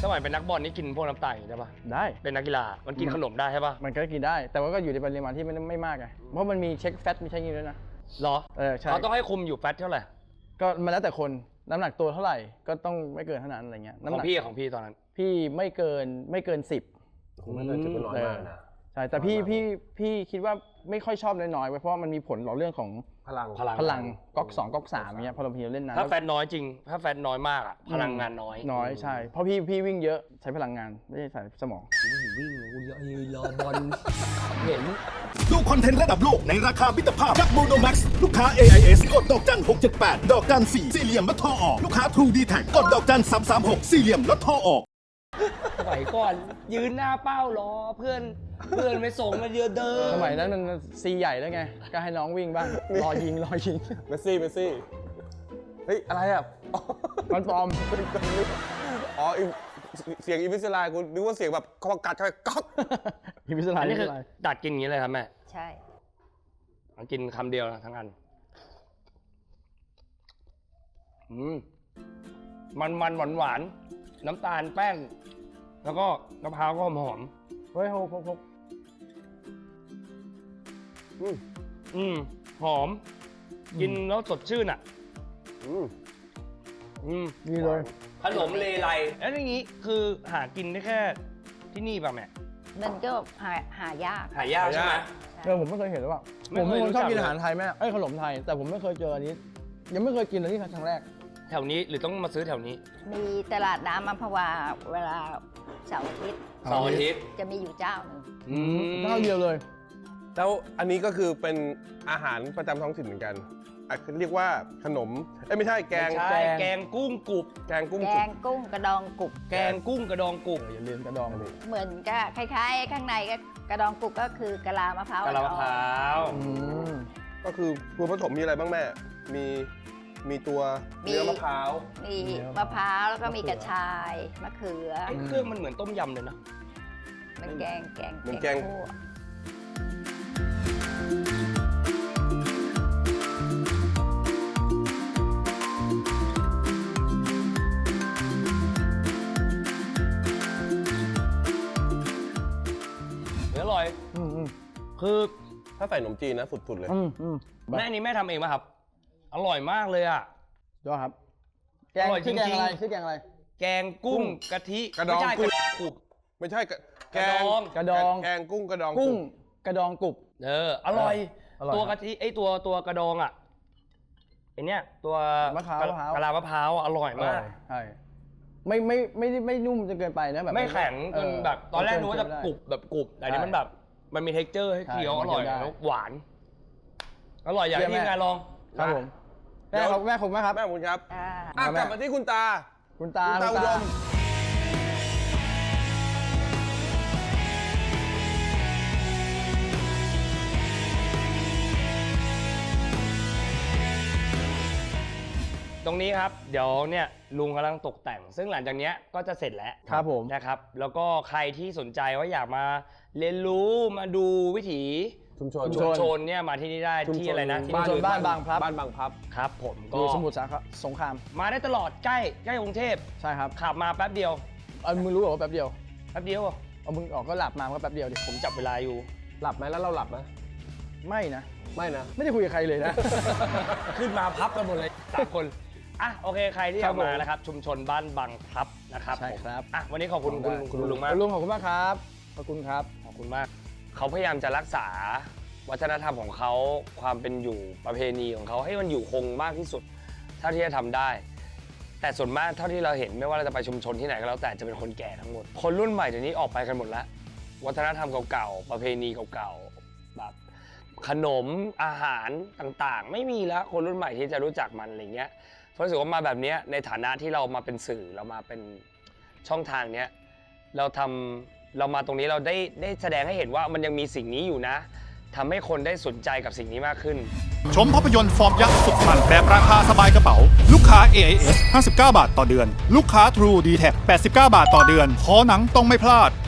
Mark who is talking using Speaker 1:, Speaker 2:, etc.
Speaker 1: มัยเป็นนักบอลนี่กินพวกน้ำตาลได้ปะ
Speaker 2: ได้
Speaker 1: เป็นนักกีฬามันกินขนมได้ใช่ปะ
Speaker 2: มันก็กินได้ แต่ว่าก็อยู่ในปริมาณที่ไม่มากไงเพราะมันมีเช็คแฟตมีเช็คนี้ด้วยนะ
Speaker 1: หรอ
Speaker 2: ใช่
Speaker 1: เขาต้องให้คุมอยู่แฟตเท่าไหร่
Speaker 2: ก็มันแล้วแต่คนน้ำหนักตัวเท่าไหร่ก็ต้องไม่เกินเท่านั้นอะไรเงี้ย
Speaker 1: ของพี่ตอนนั้น
Speaker 2: พี่ไม่เกิน10
Speaker 3: ไม่เกิน10เป็นน้อยมากนะ
Speaker 2: ใช่แต่พี่คิดว่าไม่ค่อยชอบน้อยๆเพราะว่ามันมีผลต่อเรื่องของ
Speaker 3: พลัง
Speaker 2: ก๊อก2ก๊อก3เงี้ยพอเราเล่นนาน
Speaker 1: ถ้าแฟตน้อยจริงถ้าแฟตน้อยมากอะพลังงานน้อย
Speaker 2: ใช่เพราะพี่วิ่งเยอะใช้พลังงานไม่ใช่ใช้สมอง
Speaker 1: วิ่งกูเยอะรอบอลเห็น
Speaker 4: ดูคอนเทนต์ระดับโลกในราคามิตรภาพจากโมโนแม็กซ์ลูกค้า AIS กดดอกจัน678ดอกจัน4สี่เหลี่ยมลดท่อออกลูกค้า True D Tag กดดอกจัน336สี่เหลี่ยมลดท่อออก
Speaker 1: สมัยก่อนยืนหน้าเป้ารอเพื่อนไปส่งมาเยอะเดิน
Speaker 2: สมัยนั้นมันซีใหญ่แล้วไงก็ให้น้องวิ่งบ้างรอยิง
Speaker 3: เมสซี่เฮ้ยอะไรอ่ะ
Speaker 2: มันปลอม
Speaker 3: อ๋อเสียงอีวิสไลกูนึกว่าเสียงแบบเขากัดเข้าไปก๊อก
Speaker 2: อีวิสไล
Speaker 1: อันนี้คือดัดกินอย่างนี้เลยครับแม่
Speaker 5: ใช่
Speaker 1: กินคำเดียวนะทั้งอันมันหวานน้ำตาลแป้งแล้วก็มะพร้าวก็หอม
Speaker 2: เฮ้ยหก
Speaker 1: หอมกินแล้วสดชื่นอ่ะ
Speaker 2: นี่เลย
Speaker 1: ขนมเลไลแล้วอย่างนี้คือหากินได้แค่ที่นี่ป่ะแม่
Speaker 5: มันก็หายาก
Speaker 1: ใช่ไหม
Speaker 2: ผมไม่เคยเห็นหรือเปล่าผมเป็นคนชอบกินอาหารไทยแม่ขนมไทยแต่ผมไม่เคยเจออันนี้ยังไม่เคยกินเลยที่ครั้งแรก
Speaker 1: แถวนี้หรือต้องมาซื้อแถวนี้
Speaker 5: มีตลาดน้ำอัมพวาเวลาเสาร์อาทิตย์จะมีอยู่เจ้าหนึ่ง
Speaker 2: เจ้าเดียวเลย
Speaker 3: แล้วอันนี้ก็คือเป็นอาหารประจำท้องถิ่นเหมือนกันเรียกว่าขนมไม่ใช่แกง
Speaker 1: กุ้งกรุบ
Speaker 5: แกงกุ้งกระดองกรุบ
Speaker 1: แกงกุ้งกระดองกรุบ
Speaker 2: อย่าลืมกระดองเลย
Speaker 5: เหมือนก็คล้ายๆข้างในก็กระดองกรุบก็คือกะลามะพร้าว
Speaker 3: ก็คือตัวผสมมีอะไรบ้างแม่มีตัวเนื้อมะพร้าว
Speaker 5: มีมะพร้าวแล้วก็มีกระชายมะเขือ
Speaker 1: เครื่องมันเหมือนต้มยำเลยนะ
Speaker 5: มันแกง
Speaker 3: เหมือนแกง
Speaker 1: อร่อยคือ
Speaker 3: ถ้าใส่ขนมจีนนะสุดๆเลย
Speaker 1: แม่นี้แม่ทำเองป่ะครับอร่อยมากเลยอ่ะ
Speaker 2: ยอดครับแกงชื่อแกงอะไร
Speaker 1: แกงกุ้งกะทิ
Speaker 3: กระดองกรุบไม่ใช่
Speaker 2: กระดอง
Speaker 3: แกงกุ้งกระดอง
Speaker 2: กรุบ
Speaker 1: อร่อยตัวกะทิตัวกระดองอ่ะไอเนี้ยตัว
Speaker 2: มะพร้าว
Speaker 1: กะลามะพร้าวอร่อยมาก
Speaker 2: ใช่ไม่นุ่มจนเกินไปนะแบบ
Speaker 1: ไม่แข็งจนแบบตอนแรกรู้ว่าจะกรุบแบบกรุบแต่นี้มันแบบมันมี texture ให้เคี้ยวอร่อยแล้วหวานอร่อยอย่างที่งานลอง
Speaker 2: ครับผมแม่ผมครับ
Speaker 3: แม่คุณครับกลับมาที่คุณตาอุดม
Speaker 1: ตรงนี้ครับเดี๋ยวเนี่ยลุงกำลังตกแต่งซึ่งหลังจากนี้ก็จะเสร็จแล้ว
Speaker 2: ครับผม
Speaker 1: นะครับแล้วก็ใครที่สนใจว่าอยากมาเรียนรู้มาดูวิถี
Speaker 3: ชุม
Speaker 1: ชนเนี่ยมาที่นี่ได้ที่อะไรนะ
Speaker 2: บ้านบางพลับ
Speaker 1: ครับผมก็
Speaker 2: สมุทรสงคราม
Speaker 1: มาได้ตลอดใกล้กรุงเทพ
Speaker 2: ใช่ครับ
Speaker 1: ขับมาแป๊บเดียว
Speaker 2: มึงรู้ว่าแป๊บเดียว
Speaker 1: เอา
Speaker 2: มึงออกก็หลับมาก็แป๊บเดียวดิ
Speaker 1: ผมจับเวลาอยู่
Speaker 3: หลับไหมแล้วเราหลับไหม
Speaker 2: ไม่นะ
Speaker 3: ไม่
Speaker 2: ได้คุยกับใครเลยนะ
Speaker 1: ขึ้นมาพับกันหมดเลย3 คนโอเคใครที่มานะครับชุมชนบ้านบางพลับนะครับ
Speaker 2: ใช่ครับ
Speaker 1: วันนี้ขอบคุณคุณลุงมาก
Speaker 2: ลุงขอบคุณมากครับขอบคุณครับ
Speaker 1: ขอบคุณมากเขาพยายามจะรักษาวัฒนธรรมของเขาความเป็นอยู่ประเพณีของเขาให้มันอยู่คงมากที่สุดเท่าที่จะทำได้แต่ส่วนมากเท่าที่เราเห็นไม่ว่าเราจะไปชุมชนที่ไหนก็แล้วแต่จะเป็นคนแก่ทั้งหมดคนรุ่นใหม่เดี๋ยวนี้ออกไปกันหมดแล้ววัฒนธรรมเก่าๆประเพณีเก่าๆแบบขนมอาหารต่างๆไม่มีแล้วคนรุ่นใหม่ที่จะรู้จักมันอะไรเงี้ยเพราะรู้สึกว่ามาแบบนี้ในฐานะที่เรามาเป็นสื่อเรามาเป็นช่องทางเนี้ยเรามาตรงนี้เราได้แสดงให้เห็นว่ามันยังมีสิ่งนี้อยู่นะทำให้คนได้สนใจกับสิ่งนี้มากขึ้น
Speaker 4: ชมภาพยนตร์ฟอร์มยักษ์สุดมันแบบราคาสบายกระเป๋าลูกค้า AIS 59 บาทต่อเดือนลูกค้า True D Tag 89 บาทต่อเดือนขอหนังต้องไม่พลาด